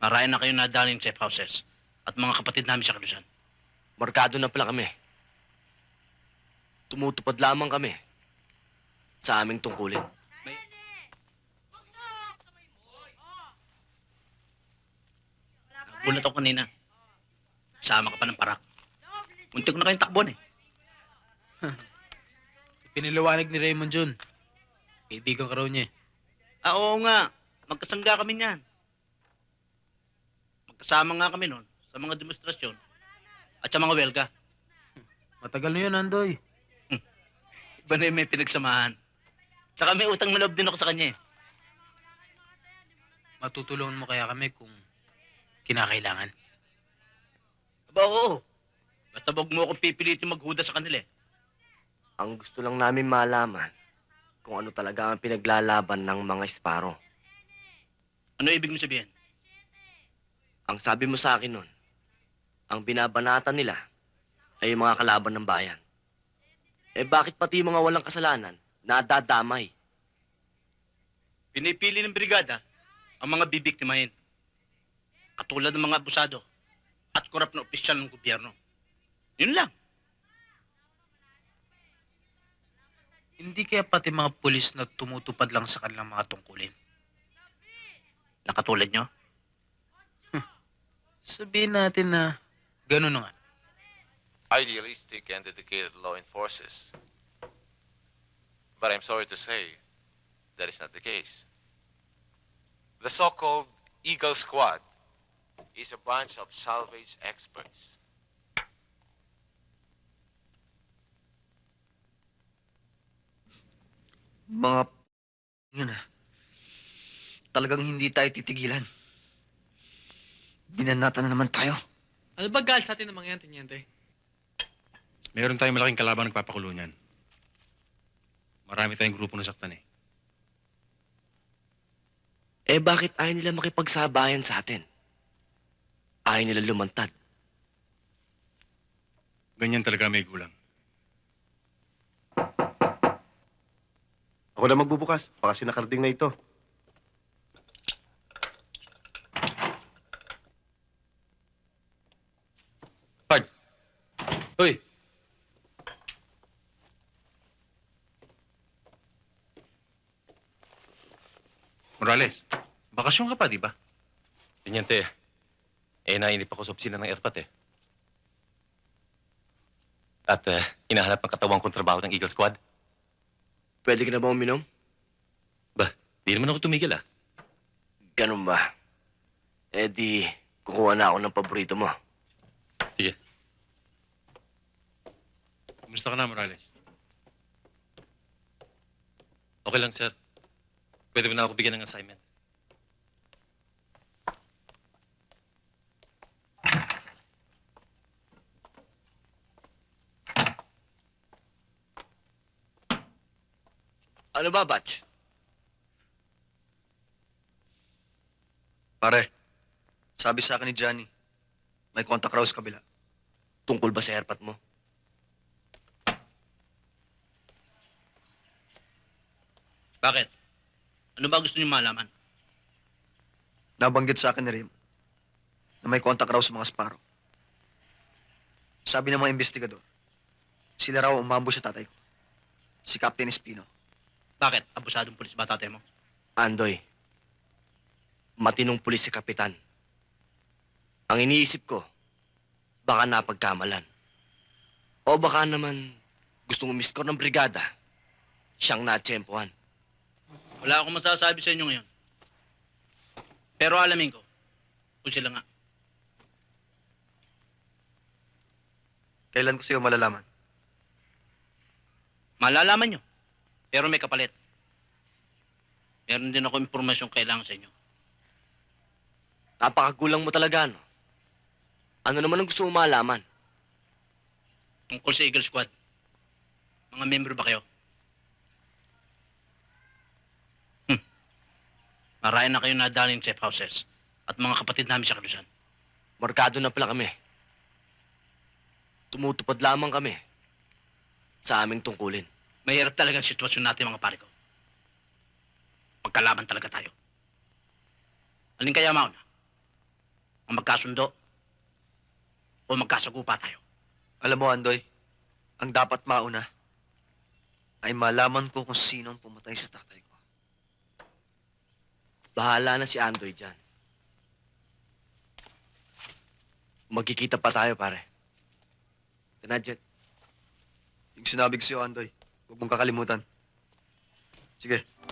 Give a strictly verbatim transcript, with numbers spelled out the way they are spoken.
Marayan na kayo nadaling safe houses at mga kapatid namin sa Kalusan. Markado na pala kami. Tumutupad lamang kami sa aming tungkulin. May... Nagulat ako kanina. Sama ka pa ng parak. Muntik ko na kayong takbuhan eh. Piniliwanag ni Raymond Jun. Kaibigan ka raw niya eh. Ah, oo nga. Magkasangga kami niyan. Magkasama nga kami noon sa mga demonstrasyon at sa mga welga. Matagal na yun, Andoy. Iba na yung may pinagsamahan. Saka may utang na loob din ako sa kanya eh. Matutulungan mo kaya kami kung kinakailangan. Aba, oo. Basta wag mo akong pipilitin maghuda sa kanila eh. Ang gusto lang namin malaman kung ano talaga ang pinaglalaban ng mga Sparrow. Ano ibig mo sabihin? Ang sabi mo sa akin nun, ang binabanatan nila ay yung mga kalaban ng bayan. Eh bakit pati yung mga walang kasalanan nadadamay? Pinipili ng brigada ang mga bibiktimahin. Katulad ng mga abusado at korap na opisyal ng gobyerno. Yun lang. Hindi kaya pati mga pulis na tumutupad lang sa kanilang mga tungkulin. Nakatulad nyo? Sabihin natin na gano'n na nga. Idealistic and dedicated law enforcers. But I'm sorry to say, that is not the case. The so-called Eagle Squad is a bunch of salvage experts. Mga p... yun ah. Talagang hindi tayo titigilan. Binanata na naman tayo. Ano ba gal sa atin ng mga yan, Teniente? Meron tayong malaking kalabang nagpapakulo niyan. Marami tayong grupo nasaktan eh. Eh bakit ayaw nila makipagsabayan sa atin? Ayaw nila lumantad. Ganyan talaga may gulang. Ako na magbubukas. Baka sinakarding na ito. Pards! Hoy! Morales, bakasyon ka pa, di ba? Teniente, eh nainip ako sa opisina ng Airpat eh. At uh, hinahanap ng katawang kontrabaho ng Eagle Squad. Pwede ka na ba uminom? Ba, di naman ako tumigil ah. Ganun ba? Eh di, kukuha na ako ng paborito mo. Sige. Kumusta ka na, Morales? Okay lang, sir. Pwede mo na ako bigyan ng assignment. Ano ba, Batch? Pare, sabi sa akin ni Johnny, may contact raw sa kabila. Tungkol ba sa airpat mo? Bakit? Ano ba gusto niyo malaman? Nabanggit sa akin ni Raymond na may contact raw sa mga Sparrow. Sabi ng mga investigador, sila raw umambush sa tatay ko, si Captain Espino. Bakit? Abusadong pulis ba tatay mo? Andoy, matinong pulis si Kapitan. Ang iniisip ko, baka napagkamalan. O baka naman gustong umiskor ng brigada, siyang natsempohan. Wala akong masasabi sa inyo ngayon. Pero alamin ko, kung sila nga. Kailan ko sa'yo malalaman? Malalaman nyo. Pero may kapalit. Meron din ako impormasyong kailangan sa inyo. Napakagulang mo talaga, no? Ano naman ang gusto mo malaman? Tungkol sa Eagle Squad. Mga member ba kayo? Hmm. Marayan na kayo nadaling safe houses at mga kapatid namin sa Kalusan. Markado na pala kami. Tumutupad lamang kami sa aming tungkulin. Mahirap talaga ang sitwasyon natin, mga pare ko. Magkalaban talaga tayo. Alin kaya mauna? ang magkasundo o magkasagupa tayo. Alam mo, Andoy, ang dapat mauna ay malaman ko kung sino ang pumatay sa tatay ko. Bahala na si Andoy dyan. Magkikita pa tayo, pare. Tana, Jet. Yung sinabi ko sa'yo, Andoy, huwag mong kakalimutan. Sige.